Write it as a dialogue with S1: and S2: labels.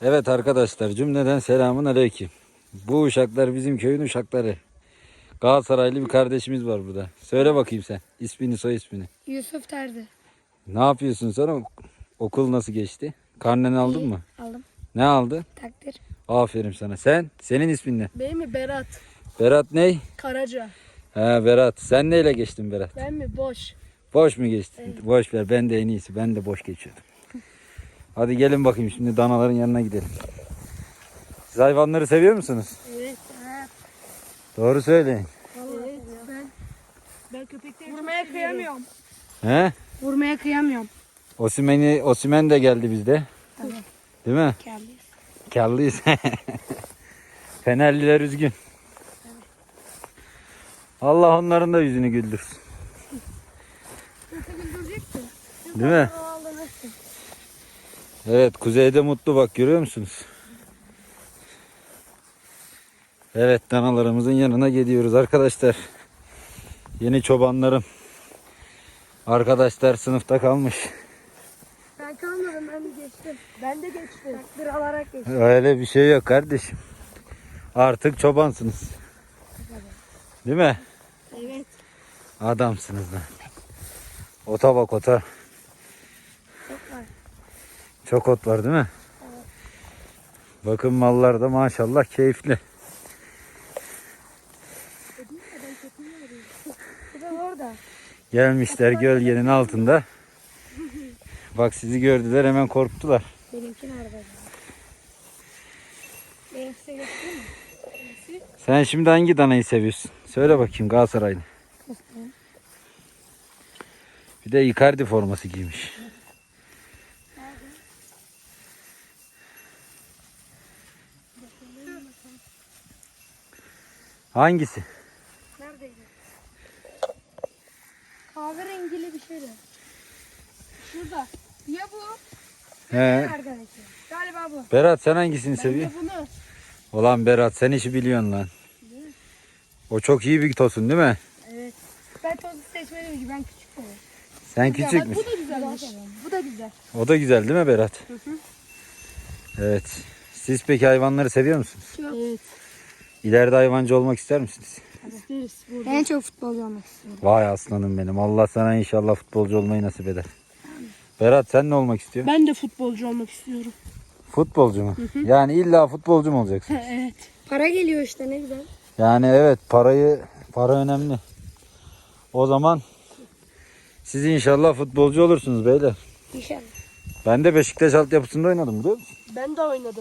S1: Evet arkadaşlar, cümleden selamun aleyküm. Bu uşaklar bizim köyün uşakları. Galatasaraylı bir kardeşimiz var burada. Söyle bakayım sen ismini, soy ismini.
S2: Yusuf Terzi.
S1: Ne yapıyorsun sonra? Okul nasıl geçti? Karneni aldın mı?
S2: Aldım.
S1: Ne aldı?
S2: Takdir.
S1: Aferin sana. Senin ismin ne?
S3: Benim mi Berat?
S1: Berat ney?
S3: Karaca.
S1: Ha, Berat. Sen neyle geçtin Berat?
S3: Ben mi Boş?
S1: Boş mu geçtin?
S3: Evet.
S1: Boş ver, ben de en iyisi. Ben de boş geçiyordum. Hadi gelin bakayım, şimdi danaların yanına gidelim. Siz hayvanları seviyor musunuz?
S3: Evet.
S1: Doğru söyleyin.
S3: Evet. Ben köpekleri vurmaya kıyamıyorum.
S1: He?
S2: Vurmaya kıyamıyorum.
S1: Osimhen de geldi bizde.
S2: Tabii.
S1: Değil mi?
S2: Kendisi.
S1: Karlıyız. Fenerliler üzgün. Allah onların da yüzünü güldürsün. Değil mi? Evet, kuzeyde mutlu, bak görüyor musunuz? Evet, danalarımızın yanına gidiyoruz arkadaşlar. Yeni çobanlarım. Arkadaşlar sınıfta kalmış.
S2: Ben kalmadım, ben de geçtim.
S3: Ben de geçtim.
S2: Takdir alarak geçtim.
S1: Öyle bir şey yok kardeşim. Artık çobansınız. Değil mi?
S2: Evet.
S1: Adamsınız lan. Ota bak, ota.
S2: Çok var.
S1: Çok ot var değil mi?
S2: Evet.
S1: Bakın mallar da maşallah keyifli.
S2: Bir de orada.
S1: Gelmişler gölgenin altında. Bak, sizi gördüler, hemen korktular.
S2: Benimki nerede? Benimkisi göstereyim mi?
S1: Sen şimdi hangi danayı seviyorsun? Söyle bakayım, Galatasaraylı.
S2: Göstereyim.
S1: Bir de Icardi forması giymiş. Hangisi?
S2: Neredeydi? Kahverengili bir şeydi. Şurada. Ya bu?
S1: He.
S2: Nereden? Galiba bu.
S1: Berat, sen hangisini
S3: Ben de
S1: seviyorsun?
S3: bunu.
S1: Ulan Berat, sen işi biliyorsun lan. O çok iyi bir tosun değil mi?
S2: Evet. Ben tozu seçmedim ki, ben küçük olayım.
S1: Sen küçük müsün?
S3: Bu da güzelmiş. Bu da güzel.
S1: O da güzel değil mi Berat? Evet. Siz peki hayvanları seviyor musunuz?
S3: Evet.
S1: İleride hayvancı olmak ister misiniz?
S3: İsteriz burada.
S2: En çok futbolcu olmak istiyorum.
S1: Vay aslanım benim. Allah sana inşallah futbolcu olmayı nasip eder. Berat, sen ne olmak istiyorsun?
S3: Ben de futbolcu olmak istiyorum.
S1: Futbolcu mu? Yani illa futbolcu mu olacaksın?
S3: Evet.
S2: Para geliyor işte, ne güzel.
S1: Yani evet, para önemli. O zaman siz inşallah futbolcu olursunuz beyler.
S2: İnşallah.
S1: Ben de Beşiktaş altyapısında oynadım, biliyor musun?
S3: Ben de oynadım.